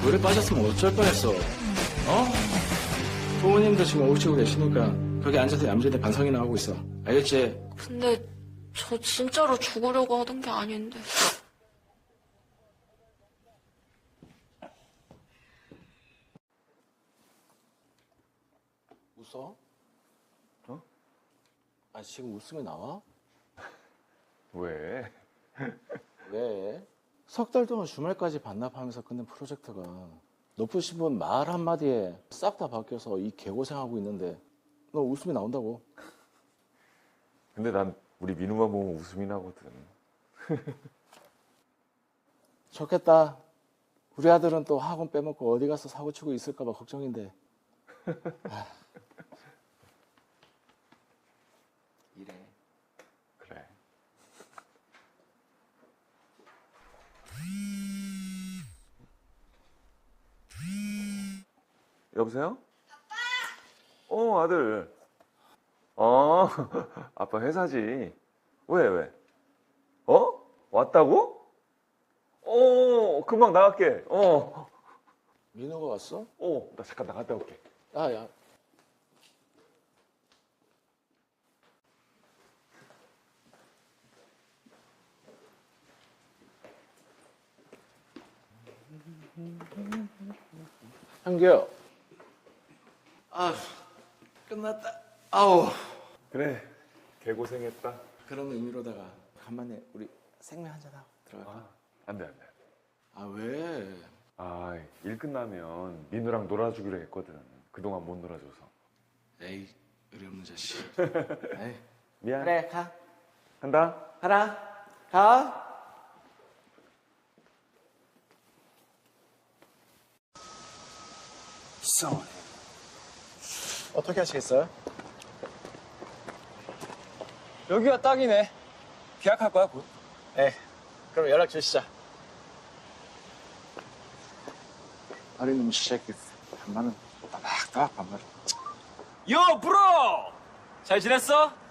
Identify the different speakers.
Speaker 1: 물에 빠졌으면 어쩔 뻔했어. 부모님도 지금 오시고 계시니까 거기 앉아서 얌전히 반성이나 하고 있어. 알겠지?
Speaker 2: 근데 저 진짜로 죽으려고 하던 게 아닌데.
Speaker 1: 웃어? 아, 지금 웃음이 나와?
Speaker 3: 왜?
Speaker 1: 왜? 석 달 동안 주말까지 반납하면서 끝낸 프로젝트가 높으신 분 말 한마디에 싹 다 바뀌어서 이 개고생하고 있는데 너 웃음이 나온다고.
Speaker 3: 근데 난 우리 민우만 보면 웃음이 나거든.
Speaker 1: 좋겠다. 우리 아들은 또 학원 빼먹고 어디 가서 사고 치고 있을까 봐 걱정인데. 이래.
Speaker 3: 그래. 여보세요? 아빠! 아들. 아빠 회사지. 왜? 왔다고? 금방 나갈게.
Speaker 1: 민호가 왔어?
Speaker 3: 나 잠깐 나갔다 올게.
Speaker 1: 야. 한규. 끝났다. 아우.
Speaker 3: 그래, 개고생했다.
Speaker 1: 그런 의미로다가 간만에 우리 생맥 한잔 하고 들어갈까?
Speaker 3: 안 돼.
Speaker 1: 왜?
Speaker 3: 일 끝나면 민우랑 놀아주기로 했거든. 그동안 못 놀아줘서.
Speaker 1: 에이, 의리 없는 자식. 에이.
Speaker 3: 미안.
Speaker 1: 그래, 가.
Speaker 3: 간다.
Speaker 1: 가라. 가. 어떻게 하시겠어요?
Speaker 4: 여기가 딱이네. 계약할 거야, 곧?
Speaker 1: 네. 그럼 연락 주시죠. 어린 놈 새끼. 반말은 따박따박 반말.
Speaker 4: 요, 브로! 잘 지냈어?